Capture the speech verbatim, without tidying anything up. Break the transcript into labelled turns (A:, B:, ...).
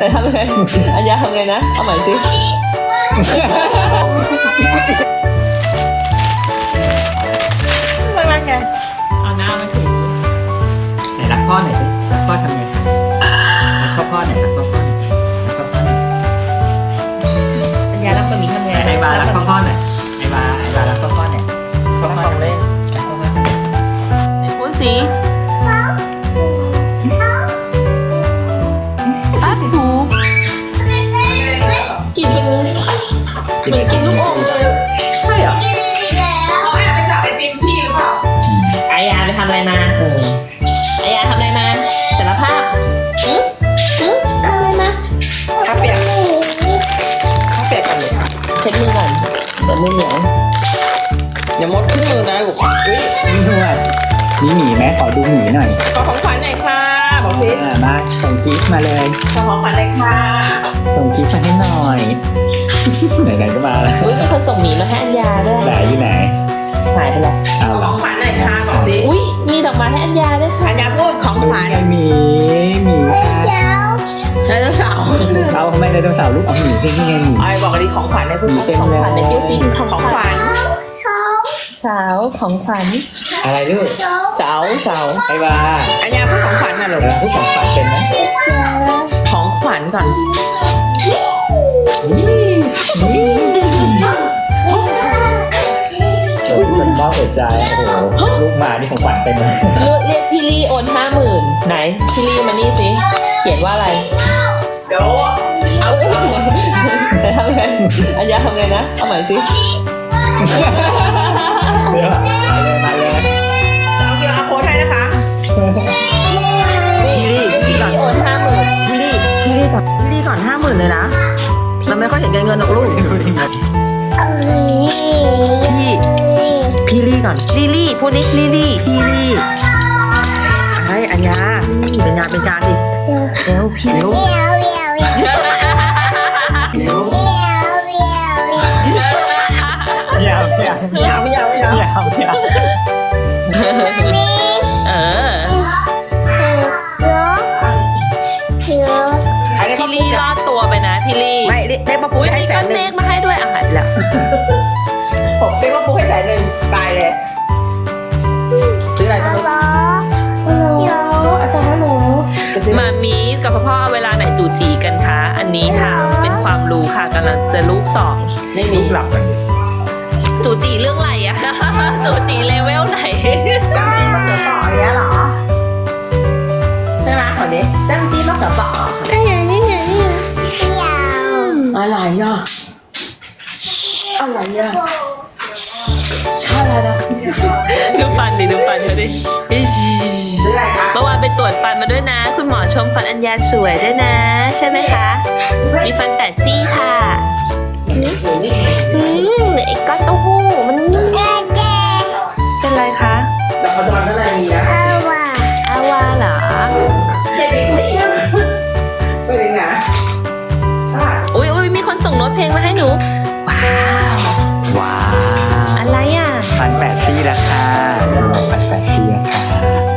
A: แต่ทำไงอัญญาทำไงนะเอาใหม่สิรักๆไงเอาหน้ามาถึงไหนรักพ่อหน่อยสิรักพ่อทำไงรักพ่อพ่อหน่อยรักพ่อพ่อหน่อยรักพ่อพ่อหน่อยอัญญารักปะหมี่ทำไงไอ้บารักพ่อพ่อหน่อยไอ้บาไอ้บารักพ่อพ่อหน่อยพ่อพ่อเล่นไหนพูดสิป้าถูกินเป็นเหมือนกินลูกอมเลยใช่เหรอ
B: เขาแอบไปจับไอติมพี่หรือเปล่า
A: ไอยาไปทำอะไรมาไอยาทำอะไรมาสารภาพอืออือทำอะไรมา
B: ข้าเปียกข้าเปียกกันเลยค่ะ
A: เช็ดมือก่อนเปิดมือเหนียว
B: อย่ามดขึ้นมือนะลูกอุ้ย
C: นี่ด้วยมีหมีไหมขอดูหมีหน่อย
B: ขอของขวัญหน่อยค่ะบอกพี่
C: มาส่งกิฟต์มาเลย
B: ขอของขวัญหน่อยค่ะ
C: ส่งกิฟต์มาให้หน่อยไหนๆก็มาแล้ว
A: อุ้ยมีคนส่งหมีมาให้อัญญาด้วย
C: ไหนอยู่ไหน
A: หายไปแล้ว
C: เอา
B: ขอของขวัญหน่อยค่ะบอกสิ
A: อุ้ยมีดอกไม้ให้อัญญาด้วยค่ะ
B: อัญญาพูดของขวัญ
C: หมีหมี
B: ไดโนเสาร์
C: เอาทำไมไดโนเสาร์ลูกเอาหมีที่นี่ไงหมี
B: ไอ้บอกดิของขวัญในพูด
A: ของขวัญในจิ้วซิ
B: ของขวัญ
A: เช้าของขวัญ
C: อะไรลูก
B: เสาเสา
C: ไอ้บ้า
B: อัญญาพูดของขวัญน่ะลูก
C: พูดของขวัญเป็นไหม
B: ของขวัญก่อน
C: โอ้ยเป็นบ้าหัวใจโอ้โหลูกหมานี่ของขวัญเป็นไหม
A: เรียกพี่ลี่โอนห้าหมื่นไหนพี่ลี่มานี่สิเขียนว่าอะไร
B: เดี๋ยวเอา
A: แต่ทำไงอัญญาทำไงนะเอาใหม่สิ
C: เดี๋ยวมาเลยมาเลย
B: เอาเกียร์อาโค้ดให้นะคะ
A: พี่ลี่พี่ลี่โอนห้าหมื่น
B: พี่ลี่พี่ลี่ก่อนพี่ลี่ก่อนห้าหมื่นเลยนะเราไม่ค่อยเห็นเงินหรอกลูกพี่พี่ลี่ก่อนลี่ลี่พูดดิลี่ลี่พี่ลี่ไอ้อัญญาเป็นงานเป็นการดิเร็วพี่เร็วเร็ว
C: เดี๋ยวเดี๋ยวเดี๋ยวเดี๋ยวเดี๋ยวเดี๋ยวเดี๋ยวเดี๋ยว
A: เออพี่ลี่รอดตัวไปนะพี่ลี่
B: ไม่ได้มาปูให้แสนหนึ่ง
A: เลขมาให้ด้วยอ่ะหายไปแล้ว
B: ผมได้มาปูให้แสนหนึ่งตายเลยซื้ออะไรมาลูกอาจารย์ฮัลโหล
A: มามีกับพ่อเวลาไหนจูจีกันคะอันนี้ค่ะเป็นความรู้ค่ะกำลังจะลูกสอง
B: ไม่มีหลับกัน
A: จูจีเรื่องอะไรอะจูจีเลเวลไหน
B: จ้ำจี้มะเขือเปราะอย่างเงี้ยหรอใช่ไหมขอนี้จ้ำจี้มะเขือเปราะ
A: นี่ไงนี่ไงนี่ไง
B: อะไรอ่ะอะไรอ่ะชาอะไรนะ
A: ดูฟันดิดูฟันเขาดิเมื่อวานไปตรวจฟันมาด้วยนะคุณหมอชมฟันอัญญาสวยด้วยนะใช่ไหมคะมีฟันแปดซี่ค่ะอืมไอ้ก้อนเต้าหู้มันเป็นไรคะ
B: ดอกกระดอนอะไรมีนะ
A: อาวาอาวาเหรอ
B: เจ็บอีกสิไม่ได้นะ
A: อุ้ยอุ้ยมีคนส่งโน้ตเพลงมาให้หนูว้าว
C: ว้าว
A: อะไรอ่ะ
C: ฟันแปดซี่ราคาฟันแปดซี่ราคา